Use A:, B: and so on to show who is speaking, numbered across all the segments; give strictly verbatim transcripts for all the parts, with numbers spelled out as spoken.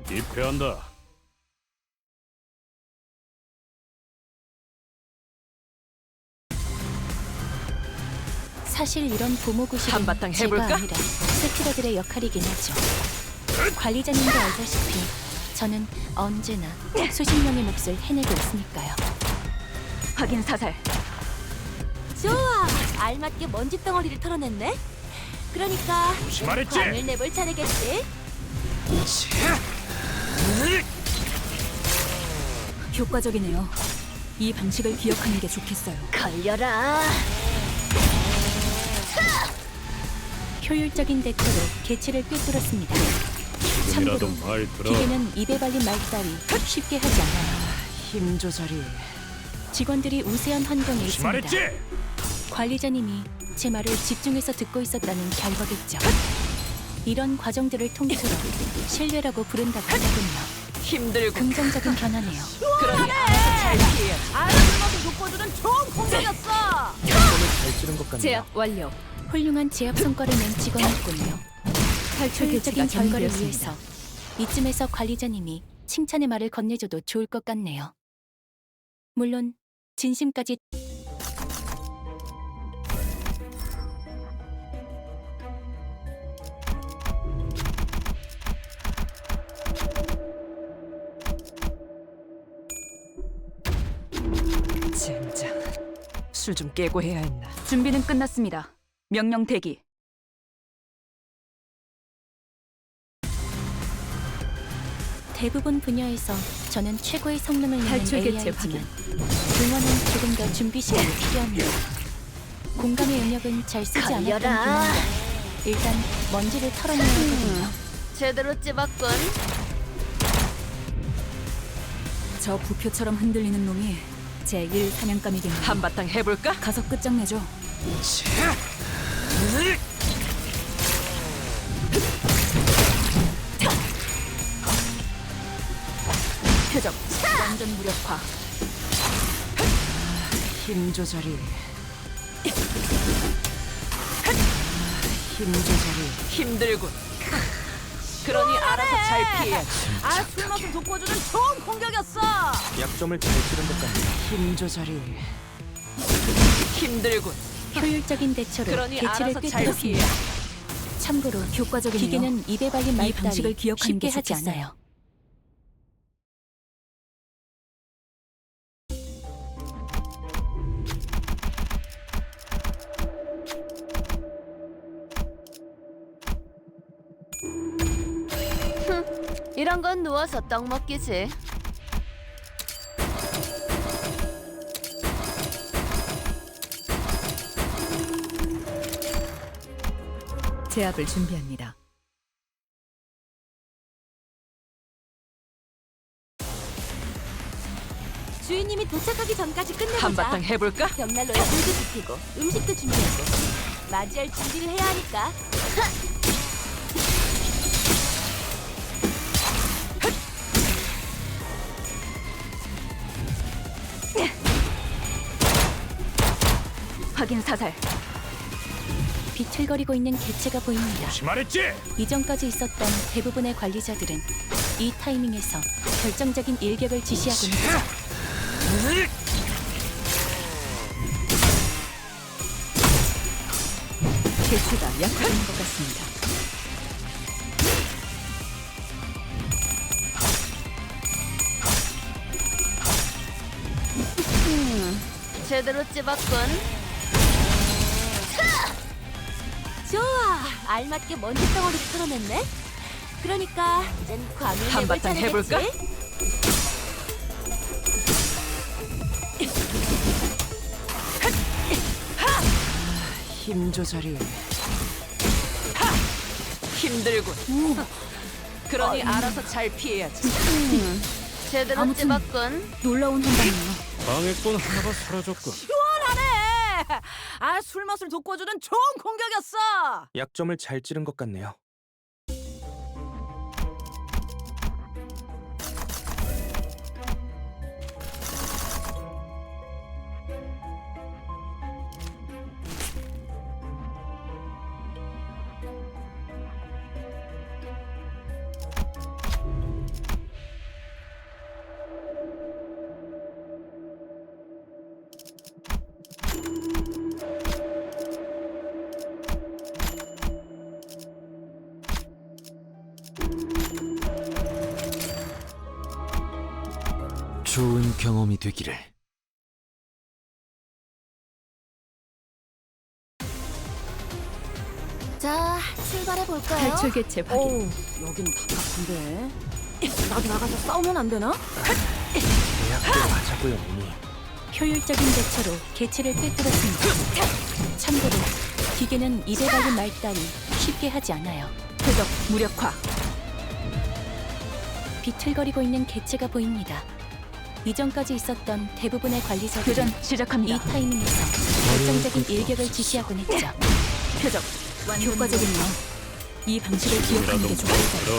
A: 입회한다.
B: 사실 이런 보모구실은
C: 한바탕
B: 제가
C: 해볼까?
B: 아니라 세키라들의 역할이긴 하죠. 관리자님도 알다시피 저는 언제나 수십 명의 몫을 해내고 있으니까요.
C: 확인 사살.
D: 좋아! 알맞게 먼지 덩어리를 털어냈네? 그러니까
A: 조심하랬지?
D: 광을 내볼 차례겠지?
C: 효과적이네요. 이 방식을 기억하는 게 좋겠어요.
D: 걸려라!
B: 효율적인 대처로 개체를 꿰뚫었습니다. 참고로
A: 좀이라도 말 들어.
B: 기계는 입에 발린 말 따위 쉽게 하지 않아요.
C: 힘 조절이.
B: 직원들이 우세한 환경에 있습니다.
A: 말했지?
B: 관리자님이 제 말을 집중해서 듣고 있었다는 결과겠죠. 이런 과정들을 통틀어 신뢰라고 부른다고 하군요.
C: 힘들고.
B: 긍정적인 변화네요.
C: 그러니 알아서 잘 피해야지.
D: 알아서 먹은 독보들은 좋은 공격이었어!
B: 제압 완료. 훌륭한 제압 성과를 낸 직원이었군요.
C: 탈출
B: 효율적인
C: 개체가
B: 결과를
C: 정리되었습니다.
B: 위해서 이쯤에서 관리자님이 칭찬의 말을 건네줘도 좋을 것 같네요. 물론 진심까지.
C: 젠장. 술 좀 깨고 해야 했나. 준비는 끝났습니다. 명령 대기.
B: 대부분 분야에서 저는 최고의 성능을 내는
C: 탈출 개체
B: 에이아이지만 응원은 조금 더 준비 시간이 필요합니다. 공감의 영역은 잘 쓰지 않았던
D: 걸려라.
B: 분야라 일단 먼지를 털어내야 하거든요.
D: 제대로 찝었군.
C: 저 부표처럼 흔들리는 놈이 제일 사냥감이겠네요. 한바탕 해볼까? 가서 끝장내죠. 표적 완전 무력화. 힘 조절이. 힘 조절이 힘들군. 그러니 알아서 잘 피해야지.
D: 아, 술 먹은 독보들은 좋은 공격이었어!
E: 약점을 잘 찌른 것 같네요.
C: 힘 조절이 힘들군.
B: 효율적인 대처로
C: 그러니
B: 개체를
C: 알아서 잘
B: 꿰뚫었습니다.
C: 피해.
B: 참고로
C: 효과적이네요.
B: 기계는 입에 발린
C: 이
B: 말
C: 방식을
B: 따위
C: 기억하는
B: 쉽게
C: 게
B: 하지
C: 좋겠어요.
B: 않아요.
D: 이런 건 누워서 떡 먹기지.
C: 제압을 준비합니다.
D: 주인님이 도착하기 전까지 끝내보자.
C: 한바탕 해볼까?
D: 벽난로에 불도 지피고 음식도 준비하고 맞이할 준비를 해야 하니까.
C: 확인 사살.
B: 비틀거리고 있는 개체가 보입니다.
A: 말했지?
B: 이전까지 있었던 대부분의 관리자들은 이 타이밍에서 결정적인 일격을 지시하곤 했죠.
C: 개체가 약화된 것 같습니다.
D: 제대로 찝었군. 좋아! 알맞게 먼지 덩어리를 털어냈네? 그러니까 이젠 광을 내볼
C: 한바탕
D: 차례겠지?
C: 해볼까? 힘 조절이. 힘들군. 그러니 알아서 잘 피해야지.
D: 제대로
C: 아무튼-
D: 찝었군.
C: 놀라운 한방이에요.
A: 방해꾼 하나가 사라졌군.
D: 시원하네! 아, 술 맛을 돋궈주는 좋은 공격이었어!
E: 약점을 잘 찌른 것 같네요.
F: 좋은 경험이 되기를.
B: 자, 출발해 볼까요?
C: 탈출 개체 확인.
D: 어우, 여기는 답답한데. 나도 나가서 싸우면 안 되나?
E: 계약대로 하자고요, 언니.
B: 효율적인 대처로 개체를 꿰뚫었습니다. 참고로 기계는 입에 발린 말 따위 쉽게 하지 않아요.
C: 표적 무력화.
B: 비틀거리고 있는 개체가 보입니다. 이전까지 있었던 대부분의 관리자들이
C: 교전
B: 이
C: 시작합니다.
B: 타이밍에서 결정적인 일격을 지시하곤 했죠.
C: 표적 효과적이네요. 이 방식을 기억하는
A: 이라도
C: 게 좋겠어요.
A: 들어.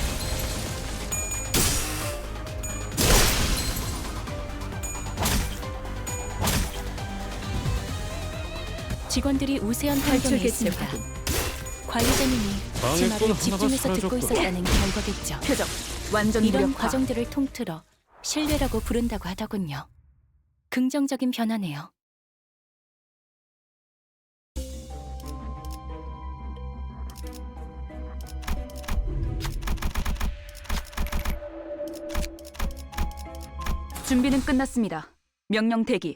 B: 직원들이 우세한
C: 탈출
B: 환경에
C: 개체
B: 있습니다.
C: 확인.
B: 관리자님이 제
A: 방해꾼
B: 말을
A: 하나가
B: 집중해서 듣고
A: 사라졌군.
B: 있었다는 결과겠죠.
C: 표적 완전
B: 이런
C: 무력화.
B: 과정들을 통틀어 신뢰라고 부른다고 하더군요. 긍정적인 변화네요.
C: 준비는 끝났습니다. 명령 대기.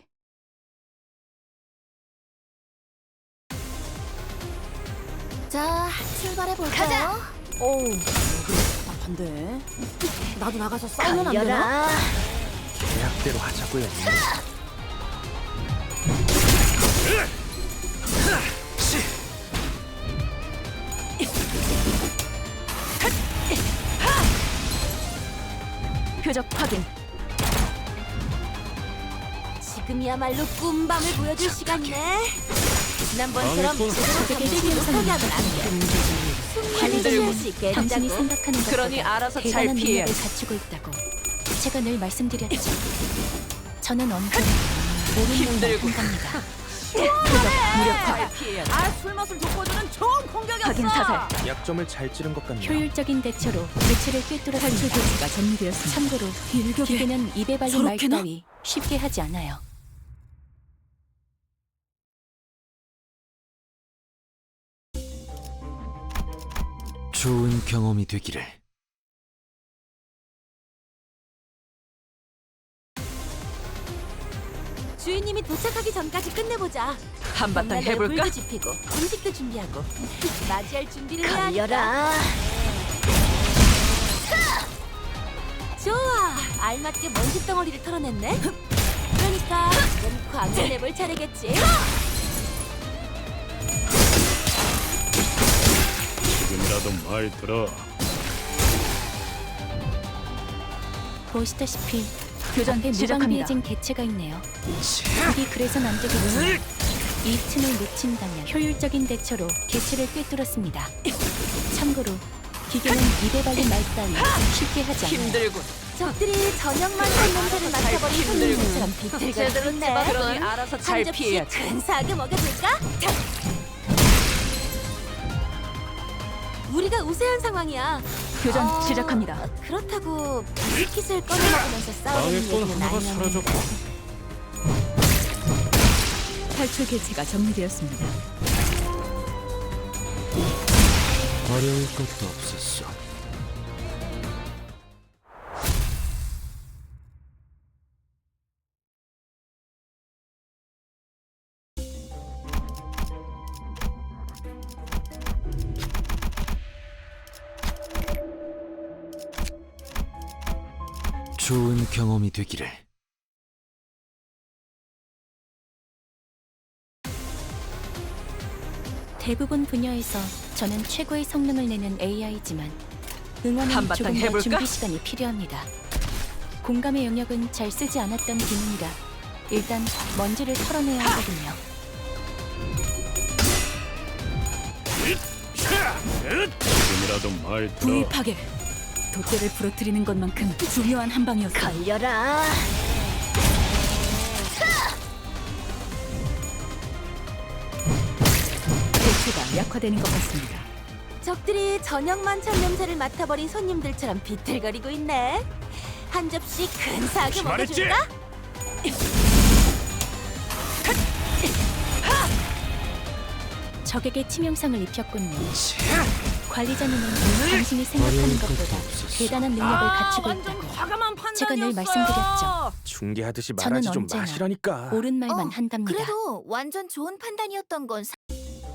B: 자, 출발해 볼까요?
D: 어우, 여기는 답답한데. 나도 나가서 싸우면 안 되나?
E: 계약대로 하자고요, 언니.
C: 표적 확인.
B: 지금이야말로 꿈밤을 보여줄 시간이네. 지난번처럼
A: 방해꾼
B: 제대로 되게 못하게 하면 안 돼. 관리자님 할수 있게 당신이 생각하는 것보다
C: 그러니 알아서 잘
B: 대단한
C: 피해야지.
B: 능력을 갖추고 있다고 제가 늘 말씀드렸죠. 저는 언제나 옳은 일만 한답니다.
C: 표적 무력화.
D: 아, 술맛을 돋궈주는 좋은 공격이었어.
C: 확인 사살.
E: 약점을 잘 찌른 것 같네요.
B: 효율적인 대처로 개체를
C: 탈출
B: 꿰뚫었습니다.
C: 개체가 정리되었습니다.
B: 참고로
C: 일격에
B: 기계는 입에 발린 말
C: 저렇게나?
B: 따위 쉽게 하지 않아요.
F: 좋은 경험이 되기를.
B: 주인님이 도착하기 전까지 끝내보자.
C: 한바탕
B: 정말로
C: 해볼까?
B: 불도 지피고 음식도 준비하고 맞이할 준비를 해야 하니까. 좋아, 알맞게 먼지 덩어리를 털어냈네. 그러니까 이젠 광을 내볼 차례겠지.
A: 지금이라도 말 들어.
B: 보시다시피
C: 교전
B: 앞에
C: 시작합니다.
B: 무방비해진 개체가 있네요. 여기 그래선 안 되겠지만 이 틈을 놓친다면 효율적인 대처로 개체를 꿰뚫었습니다. 참고로 기계는 입에 발린 말 따위 쉽게 하지 않아요.
C: 힘들군.
B: 적들이 저녁만 한 냄새를 맡아버린
C: 힘들군.
B: 손님처럼 비틀거리고 있네.
C: 그러니 알아서 잘
B: 한 접시
C: 피해야지.
B: 근사하게 먹여줄까? 우리가 우세한 상황이야.
C: 교전
B: 어,
C: 시작합니다.
B: 그렇다고 비스킷을 꺼내 먹으면서 싸우는
A: 방해꾼
B: 얘기는
A: 하나가
B: 아니었는데.
A: 사라졌군.
C: 탈출 개체가 정리되었습니다.
F: 어려울 것도 없었어. 좋은 경험이 되기를.
B: 대부분 분야에서 저는 최고의 성능을 내는 에이아이지만 응원은
C: 한바탕
B: 조금 더
C: 해볼까?
B: 준비 시간이 필요합니다. 공감의 영역은 잘 쓰지 않았던 기능이라 일단 먼지를 털어내야 하거든요.
A: 지금이라도 말 들어.
C: 부위 파괴. 돛대를 부러뜨리는 것만큼 중요한 한 방이었어.
B: 걸려라.
C: 개체가 약화되는 것 같습니다.
B: 적들이 저녁 만찬 냄새를 맡아버린 손님들처럼 비틀거리고 있네. 한 접시 근사하게
A: 말했지?
B: 먹어줄까? 적에게 치명상을 입혔군요. 관리자님은 당신이 생각하는
F: 어려울 것도
B: 것보다
F: 없었어.
B: 대단한 능력을
D: 아,
B: 가지고
D: 완전
B: 있다고
D: 과감한 판단이었어요.
B: 제가 늘 말씀드렸죠.
E: 중계하듯이
B: 저는
E: 말하지 좀
B: 언제나
E: 마시라니까.
B: 옳은 말만
G: 어,
B: 한답니다.
G: 그래도 완전 좋은 판단이었던 건 사...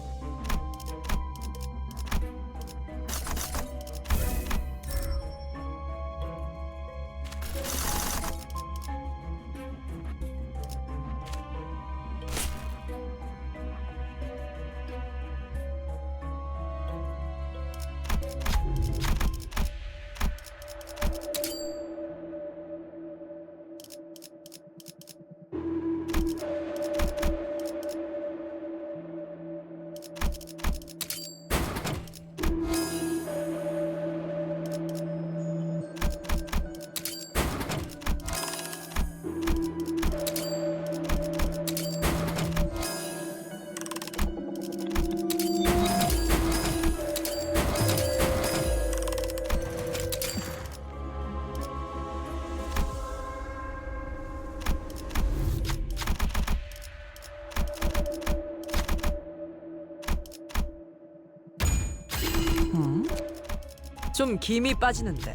D: 좀 김이 빠지는데.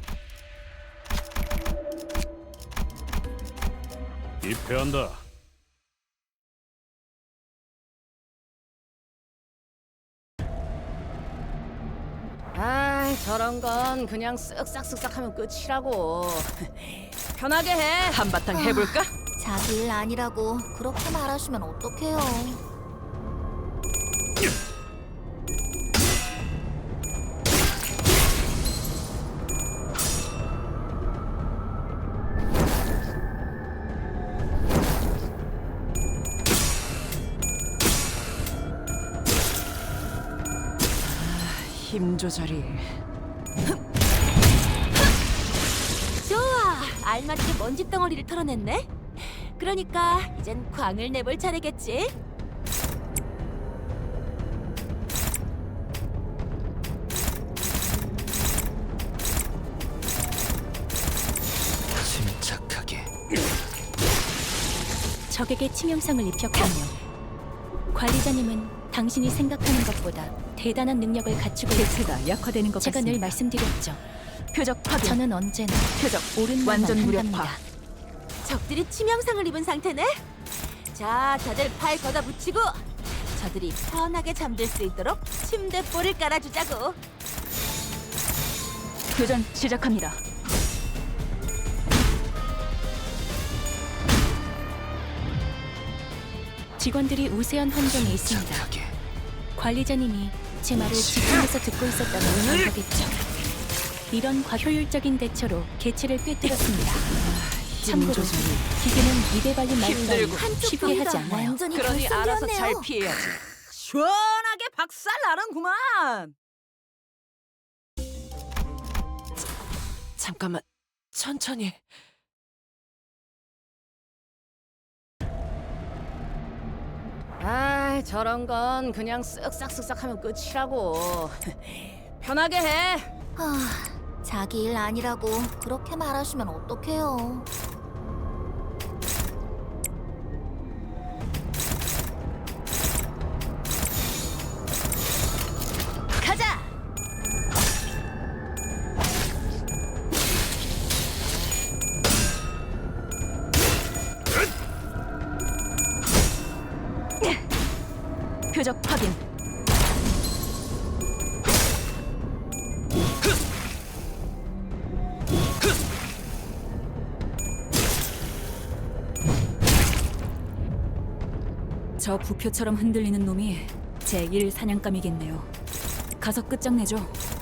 A: 입회한다.
D: 아, 저런 건 그냥 쓱싹쓱싹 하면 끝이라고. 편하게 해. 한바탕 해볼까?
G: 자기 일 아니라고 그렇게 말하시면 어떡해요.
D: 힘 조절이.
B: 좋아, 알맞게 먼지 덩어리를 털어냈네. 그러니까 이젠 광을 내볼 차례겠지.
F: 침착하게.
B: 적에게 치명상을 입혔군요. 관리자님은 당신이 생각하는 것보다 대단한 능력을 갖추고 있다고
C: 개체가 약화되는 것
B: 제가
C: 같습니다.
B: 늘 말씀드렸죠.
C: 표적 확인.
B: 저는 언제나
C: 표적
B: 옳은 말만
C: 완전 무력화.
B: 한답니다. 적들이 치명상을 입은 상태네. 자, 다들 팔 걷어 붙이고 저들이 편하게 잠들 수 있도록 침대볼을 깔아주자고.
C: 교전 시작합니다.
B: 직원들이 우세한 환경에 있습니다.
F: 침착하게.
B: 관리자님이 제 말을 집중해서 듣고 있었다면 잘 거겠죠. 이런 과효율적인 대처로 개체를 꿰뚫었습니다. 참고로
D: 조절이.
B: 기계는 입에 발린 말 따위
D: 힘들고
B: 쉽게 하지 않아요.
G: 완전히
D: 그러니 알아서 잘
G: 결승되었네요.
D: 피해야지. 시원하게 박살 나는구만. 잠깐만, 천천히. 아, 저런 건 그냥 쓱싹쓱싹 하면 끝이라고. 편하게 해.
G: 아, 자기 일 아니라고 그렇게 말하시면 어떡해요.
B: 가자.
C: 표적 확인. 저 부표처럼 흔들리는 놈이 제일 사냥감이겠네요. 가서 끝장내죠.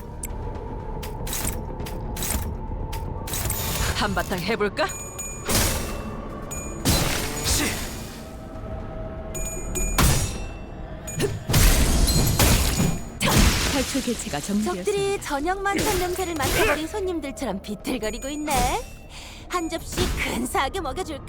D: 한바탕 해볼까?
C: 탈출 개체가 정리되었습니다.
B: 적들이 저녁 만찬 냄새를 맡아버린 손님들처럼 비틀거리고 있네. 한 접시 근사하게 먹여줄까?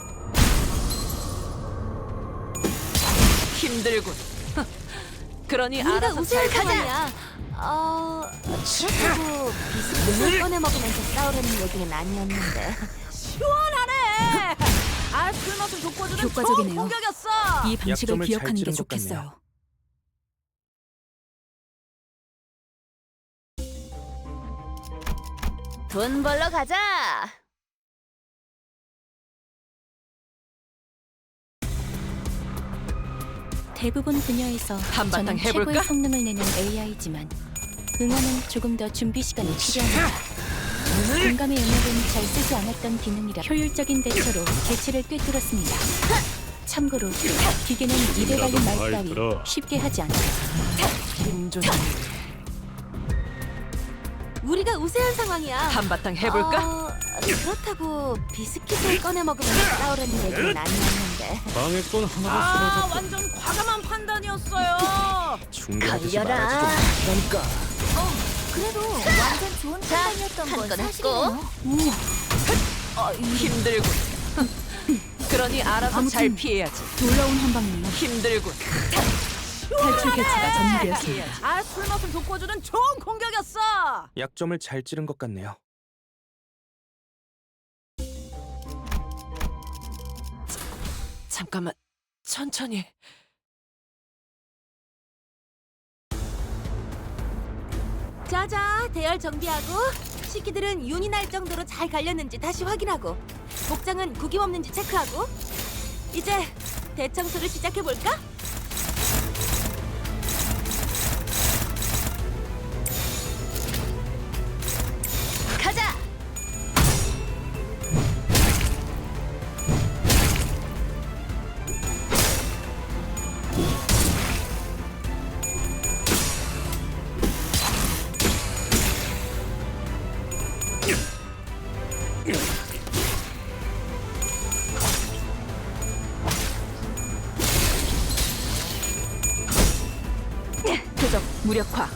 D: 힘들군. 그러니
B: 우리가
D: 알아서
B: 우세할
D: 잘 가자.
B: 상황이야. 어... 그렇다고 비스킷을 꺼내 먹으면서 싸우려는 얘기는 아니었는데.
D: 시원하네. 아, 술 맛을 돋궈주는 좋은
C: 효과적이네요.
D: 공격이었어.
C: 이 방식을
E: 약점을 잘
C: 기억하는 게
E: 찌른 것
C: 좋겠어요.
E: 같네요.
G: 돈 벌러 가자.
B: 대부분 분야에서
C: 한바탕
B: 저는
C: 해볼까?
B: 최고의 성능을 내는 에이아이지만 응원은 조금 더 준비 시간이 필요합니다. 공감의 영역은 잘 쓰지 않았던 기능이라 효율적인 대처로 개체를 꿰뚫었습니다. 참고로 기계는 입에 발린 말
A: 말
B: 따위
A: 들어.
B: 쉽게 하지 않아요.
G: 우리가 우세한 상황이야.
C: 한바탕 해볼까?
G: 어, 그렇다고 비스킷을 꺼내 먹으면 싸우려는 얘기는 아니었는데.
A: 방해꾼 하나가
D: 아
A: 쓰러졌다.
D: 완전 과감한 판단이었어요.
E: 중계하듯이
G: 걸려라.
E: 말하지 좀. 그러니까
G: 그래도 완전 좋은 판단이었던 건 사실이에요.
C: 힘들군. 그러니 알아서 잘 피해야지.
B: 놀라운 한방이에요.
C: 힘들군.
B: 탈출 개체가 전무되었습니다.
D: 아 술맛을 돋궈주는 좋은 공격이었어.
E: 약점을 잘 찌른 것 같네요.
C: 잠깐만. 천천히.
G: 자자, 대열 정비하고 식기들은 윤이 날 정도로 잘 갈렸는지 다시 확인하고 복장은 구김 없는지 체크하고 이제 대청소를 시작해볼까? 가자!
C: 표적 무력화.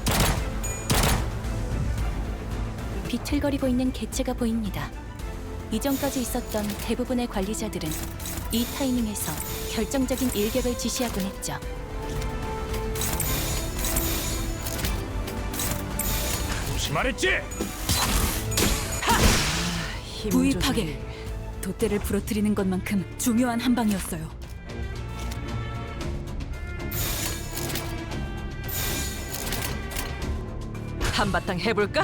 B: 비틀거리고 있는 개체가 보입니다. 이전까지 있었던 대부분의 관리자들은 이 타이밍에서 결정적인 일격을 지시하곤 했죠.
A: 조심하랬지?
C: 힘
B: 부위
C: 조절이.
B: 파괴. 돛대를 부러뜨리는 것만큼 중요한 한방이었어요.
C: 한바탕 해볼까?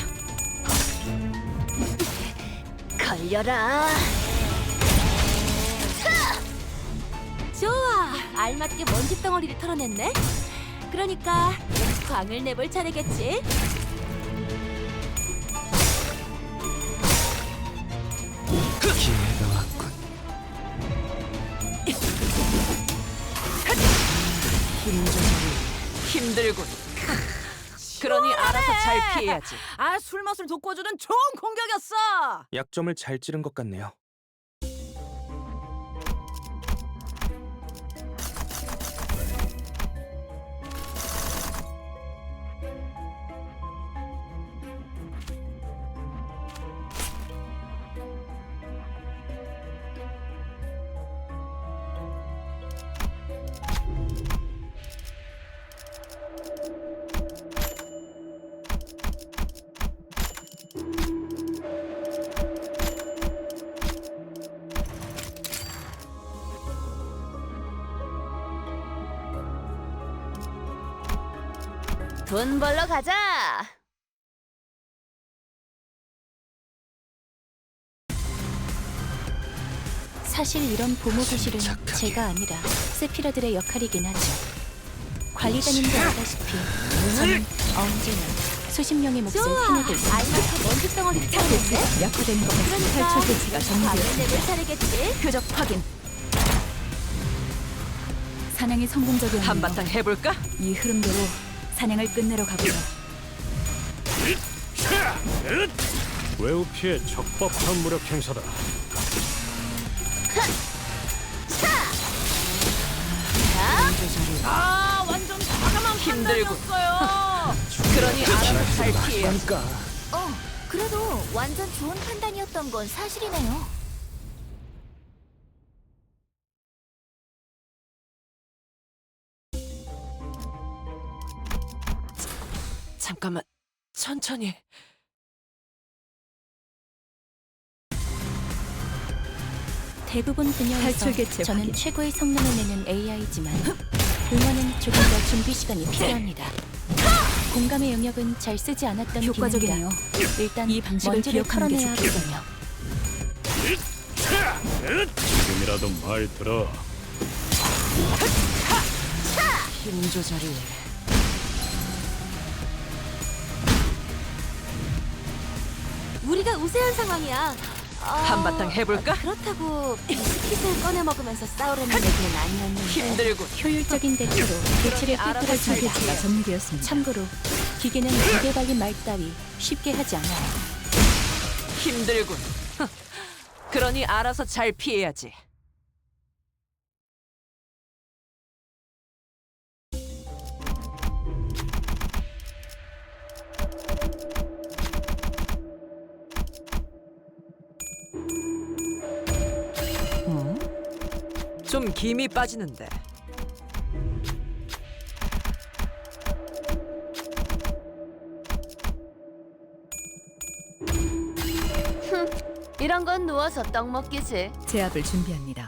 G: 걸려라. 좋아, 알맞게 먼지 덩어리를 털어냈네. 그러니까 광을 내볼 차례겠지.
F: 기회가 왔군.
C: 힘 조절이. 힘들군. 그러니 알아서 잘 피해야지.
D: 아 술맛을 돋궈주는 좋은 공격이었어.
E: 약점을 잘 찌른 것 같네요.
G: 돈 벌러 가자.
B: 사실 이런 보모 교실은 제가 아니라 세피라들의 역할이긴 하죠. 관리자님도 알다시피 저는 언제나 수십 명의 몫을
G: 좋아,
B: 해내고 있습니다.
G: 알맞게 먼지 덩어리를 털어냈네.
B: 약화되는 것 같은
G: 그러니까
B: 탈출 개체가
G: 광을
B: 전무되었습니다.
G: 내볼 차례겠지.
C: 표적 확인.
B: 사냥이 성공적이었네요.
C: 한바탕 해볼까?
B: 이 흐름대로 사냥을 끝내러 가보죠.
A: 외우 피해 적법한 무력 행사다.
D: 아 완전 과감한
C: 힘들군.
D: 판단이었어요.
C: 그러니 알아서 잘 피해야지.
E: 그러니까
G: 어, 그래도 완전 좋은 판단이었던 건 사실이네요.
C: 잠깐만. 천천히.
B: 대부분 분야에서
C: 탈출 개체
B: 저는
C: 확인.
B: 최고의 성능을 내는 에이아이지만 응원은 조금 더 준비 시간이 필요합니다. 공감의 영역은 잘 쓰지 않았던
C: 효과적이네요.
B: 기능이다. 일단
C: 이 방식을
B: 먼지를
C: 기억하는 게
B: 털어내야
C: 좋겠군요.
A: 지금이라도 말 들어.
D: 힘 조절이.
G: 우리가 우세한 상황이야. 어,
D: 한바탕 해볼까?
G: 그렇다고 비스킷을 꺼내 먹으면서 싸우려는 얘기는 아니었는데.
D: 힘들군.
B: 효율적인 대처로 개체를
D: 알아서
B: 꿰뚫어줍니다.
C: 가 정리되었습니다.
B: 참고로 기계는 기계 발린 말 따위 쉽게 하지 않아요.
D: 힘들군. 그러니 알아서 잘 피해야지. 음? 좀 김이 빠지는데.
G: 이런 건 누워서 떡 먹기지.
C: 제압을 준비합니다.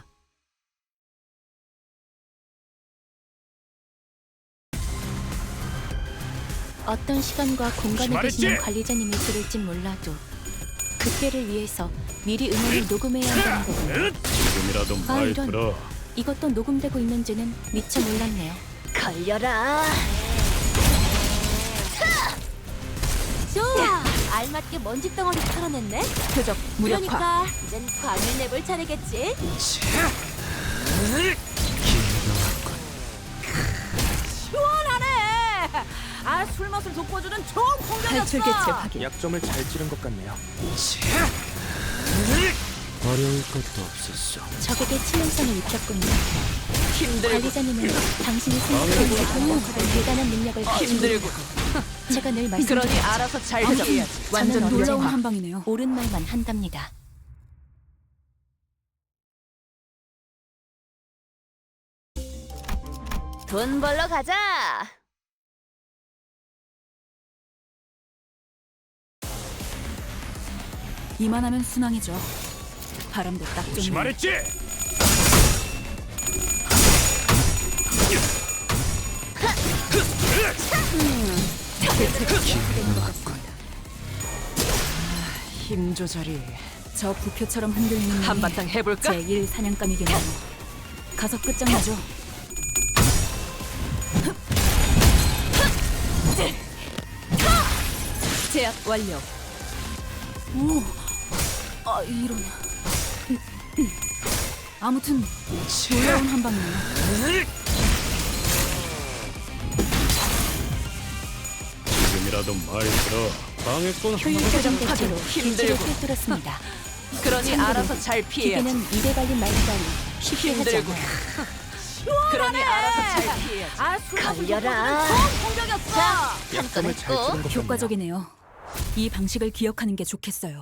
B: 어떤 시간과 공간에
A: 조심하랬지?
B: 계시는 관리자님이 들을진 몰라도 그때를 위해서 미리 음원을 녹음해야 한다는 거군요.
A: 지금이라도
B: 아,
A: 말
B: 이런.
A: 들어.
B: 이것도 녹음되고 있는지는 미처 몰랐네요.
G: 걸려라. 좋아. 알맞게 먼지 덩어리 털어냈네.
C: 표적 무력화.
G: 그러니까 이젠 광을 내볼 차례겠지.
D: 시원하네. 아, 술 맛을 돋궈주는 좋은
C: 탈출
D: 공격이었어.
C: 개체 확인.
E: 약점을 잘 찌른 것 같네요.
F: 어려울 것도 없었어.
B: 적에게 치명상을 입혔군요.
D: 힘들군.
B: 관리자님은 당신이 생각하는 것보다 대단한 능력을 가지고
D: 힘들군.
B: 제가 늘
D: 그러니
B: 말씀드렸죠.
D: 알아서 잘
C: 표적
D: 피해야지.
C: 완전
B: 저는
C: 놀라운
B: 언제나
C: 한 방이네요.
B: 옳은 말만 한답니다.
G: 돈 벌러 가자.
C: 이만하면 순항이죠. 바람도 딱 좋네.
A: 조심하랬지?
D: 힘 조절이.
C: 저 부표처럼 흔들리는 놈이
D: 한바탕 해볼까?
C: 제일 사냥감이겠네요. 가서 끝장나죠. 제압 완료. 오, 아 이런. 아무튼 놀라운 한 방이네요.
A: 지금이라도 말 들어. 방해꾼 하나도
B: 효율적인 대처로 개체를
D: 힘들고.
B: 꿰뚫었습니다.
D: 그러니
B: 참고로
D: 알아서 잘 피해야지.
B: 기계는 입에 발린 말 따위 쉽게 하지
D: 힘들고.
B: 않아요.
D: 그러니 알아서 잘 피해야지.
G: 아, 걸려라.
D: 좋은 공격이었어.
E: 약점을 잘 찌른 것 같네요.
C: 효과적이네요. 이 방식을 기억하는 게 좋겠어요.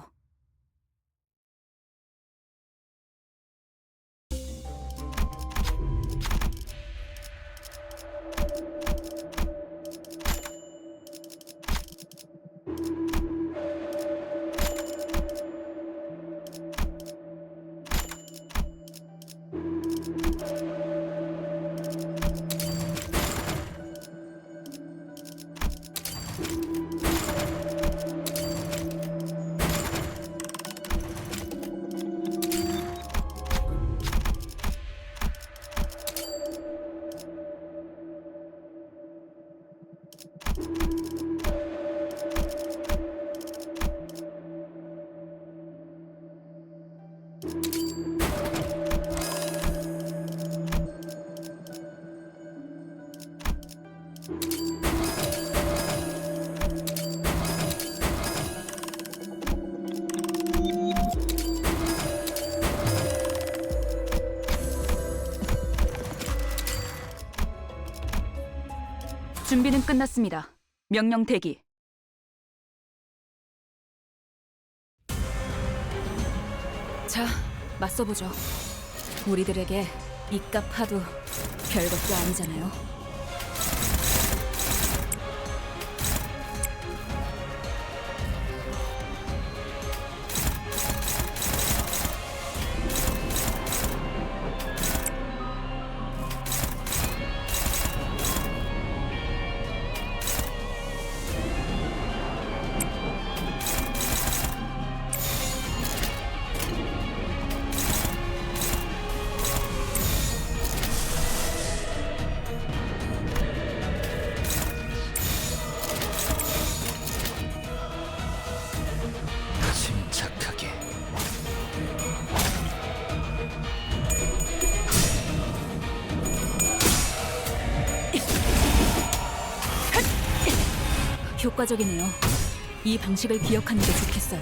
C: 준비는 끝났습니다. 명령 대기. 자, 맞서보죠. 우리들에게 이깟 파도 별것도 아니잖아요. 효과적이네요. 이 방식을 기억하는 게 좋겠어요.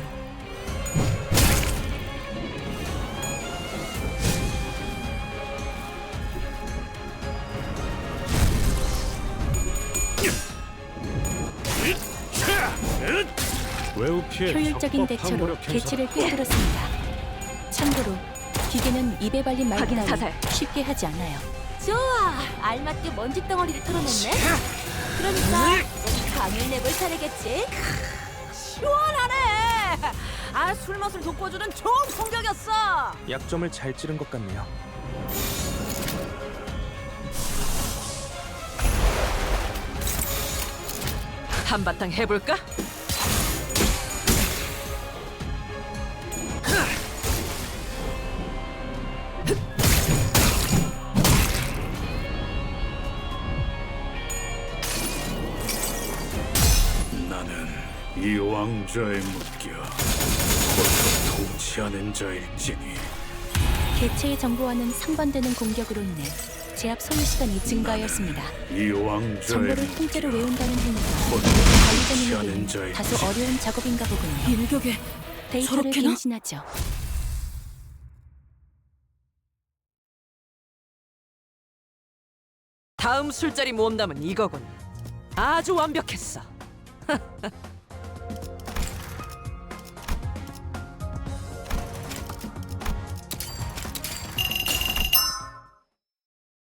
A: 외우 피해
B: 효율적인
A: 적법
B: 대처로
A: 항구력 행사다.
B: 개체를 꿰뚫었습니다. 참고로 기계는 입에 발린 말
C: 확인
B: 따위
C: 사살.
B: 쉽게 하지 않아요.
G: 좋아, 알맞게 먼지 덩어리를 털어냈네. 그러니까 이제 강을 내볼 차례겠지.
D: 시원하네. 아, 술 맛을 돋궈주는 좋은 공격이었어.
E: 약점을 잘 찌른 것 같네요.
C: 한바탕 해볼까?
A: 나는 이 왕좌에 묶여 홀로 통치하는 자일지니
B: 개체의 정보와는 상반되는 공격으로 인해 제압 소요 시간이 증가하였습니다.
A: 이 왕좌에
B: 정보를 통째로 외운다는 행위가
A: 홀로
B: 관리자님에게는
A: 통치하는 자일지니
B: 다소 어려운 작업인가 보군요.
C: 일격에
B: 데이터를
C: 저렇게나?
B: 갱신하죠.
H: 다음 술자리 모험담은 이거군. 아주 완벽했어.